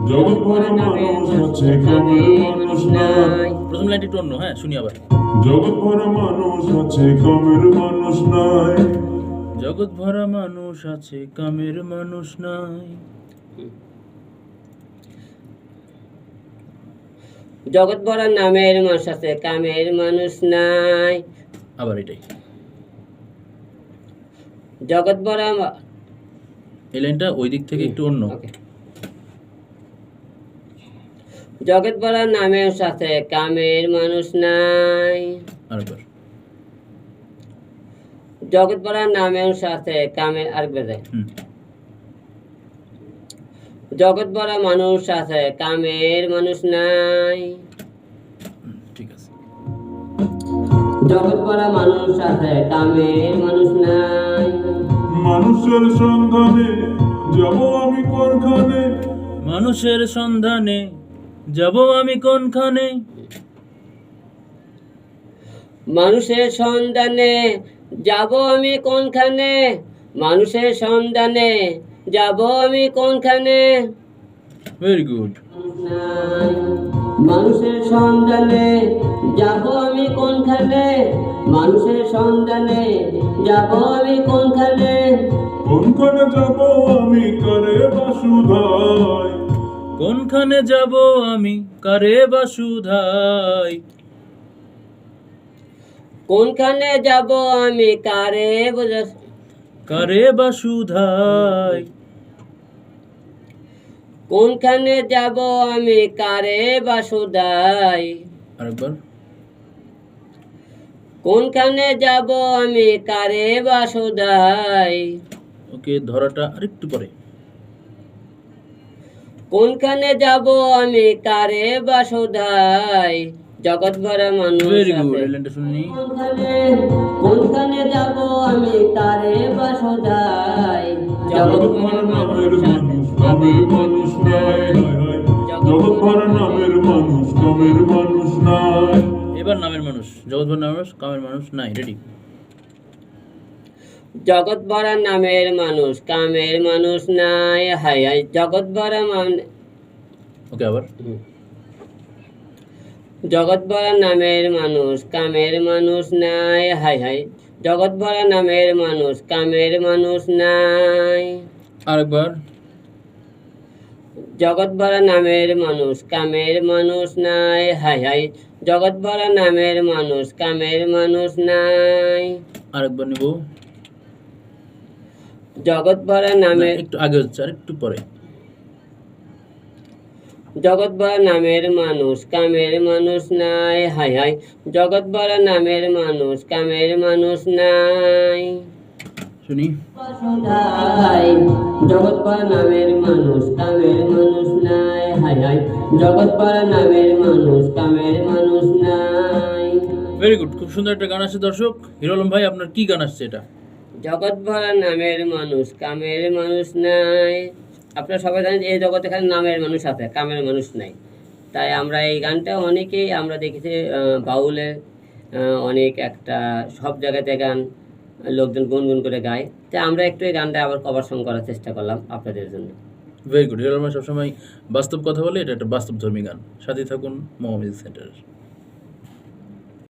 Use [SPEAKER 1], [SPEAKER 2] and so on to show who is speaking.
[SPEAKER 1] জগৎ ভরা মানুষ আছে, কামের মানুষ নাই।
[SPEAKER 2] প্রথম লাইনটা একটু অন্য, হ্যাঁ শুনি আবার।
[SPEAKER 1] জগৎ ভরা মানুষ আছে, কামের মানুষ নাই।
[SPEAKER 2] জগৎ ভরা মানুষ আছে, কামের মানুষ নাই।
[SPEAKER 3] জগৎ ভরা নামের মানুষ আছে, কামের মানুষ নাই।
[SPEAKER 2] আবার এটাই,
[SPEAKER 3] জগৎ ভরা
[SPEAKER 2] এই লাইনটা ওই দিক থেকে একটু অন্য।
[SPEAKER 3] ওকে। জগৎ ভরা নামের সাথে কামের মানুষ নাই।
[SPEAKER 2] আরেকবার।
[SPEAKER 3] জগৎ ভরা নামের সাথে কামের আরেকবার দেয়। জগৎ ভরা মানুষ আছে, কামের মানুষ নাই।
[SPEAKER 2] ঠিক আছে।
[SPEAKER 3] জগৎ ভরা মানুষ আছে, কামের মানুষ নাই।
[SPEAKER 1] মানুষের সন্ধানে যাব আমি কোনখানে,
[SPEAKER 2] মানুষের সন্ধানে যাব আমি কোনখানে।
[SPEAKER 3] মানুষের সন্ধানে যাব আমি কোনখানে, মানুষের সন্ধানে যাব আমি কোনখানে।
[SPEAKER 2] Very good.
[SPEAKER 3] মানুষের সন্ধানে যাব আমি কোনখানে, মানুষের সন্ধানে যাব আমি কোনখানে।
[SPEAKER 1] কোনখানে যাব আমি কারে বাসুধাই,
[SPEAKER 2] কোনখানে যাব আমি কারে বাসুধাই।
[SPEAKER 3] কোনখানে যাব আমি কারে
[SPEAKER 2] কারে বাসুধাই।
[SPEAKER 3] কোনখানে যাব আমি কারে বাসুদাই।
[SPEAKER 2] আরেকবার।
[SPEAKER 3] কোনখানে যাব আমি কারে বাসুদাই।
[SPEAKER 2] ওকে, ধরাটা আরেকটু পরে।
[SPEAKER 3] কোনখানে যাব আমি কারে বাসুদাই। জগৎ ভরা মানুষ
[SPEAKER 2] ভেরি গুড,
[SPEAKER 3] আছে।
[SPEAKER 2] এই লাইনটা শুনি।
[SPEAKER 3] কোনখানে যাব আমি কারে বাসুদাই।
[SPEAKER 1] জগৎ ভরা নামের মানুষ, কামের মানুষ নাই। জগৎ ভরা নামের মানুষ, কামের মানুষ নাই।
[SPEAKER 2] এবার নামের মানুষ, জগৎ ভরা নামের মানুষ, কামের মানুষ নাই। রেডি।
[SPEAKER 3] জগৎ ভরা নামের মানুষ, কামের মানুষ নাই। হাই হাই জগৎ ভরা
[SPEAKER 2] ওকে, আবার।
[SPEAKER 3] জগৎ ভরা নামের মানুষ, কামের মানুষ নাই। হাই হাই জগৎ ভরা নামের মানুষ, কামের মানুষ নাই।
[SPEAKER 2] আরেকবার।
[SPEAKER 3] জগৎ ভরা নামের মানুষ, কামের মানুষ নাই। হাই হাই জগৎ ভরা নামের মানুষ, কামের মানুষ নাই।
[SPEAKER 2] আরেকবার নিব।
[SPEAKER 3] জগৎ ভরা নামের
[SPEAKER 2] একটু আগে হচ্ছে, আর একটু পরে।
[SPEAKER 3] জগৎ ভরা নামের মানুষ, কামের মানুষ নাই। হাই হাই জগৎ ভরা নামের মানুষ, কামের মানুষ নাই।
[SPEAKER 2] শুনি।
[SPEAKER 3] জগৎ ভরা নামের মানুষ, কামের মানুষ নাই। হাই হাই জগৎ ভরা নামের মানুষ, কামের মানুষ নাই।
[SPEAKER 2] ভেরি গুড, খুব সুন্দর একটা গান আসছে দর্শক। হিরো আলম ভাই, আপনার কি গান আসছে এটা?
[SPEAKER 3] জগৎ ভরা নামের মানুষ, কামের মানুষ নাই। আপনারা সবাই জানেন এই জগতে খালি নামের মানুষ আছে, কামের মানুষ নাই। তাই আমরা এই গানটা অনেকেই আমরা দেখেছি বাউলের অনেক একটা সব জায়গাতে গান লোকজন গুনগুন করে গায়। তাই আমরা একটু এই গানটা আবার কভার সং করার চেষ্টা করলাম আপনাদের জন্য।
[SPEAKER 2] Very good. হিরো আলম ভাই সবসময় বাস্তব কথা বলে, এটা একটা বাস্তবধর্মী গান। সাথে থাকুন মোহাম্মদ সেন্টার।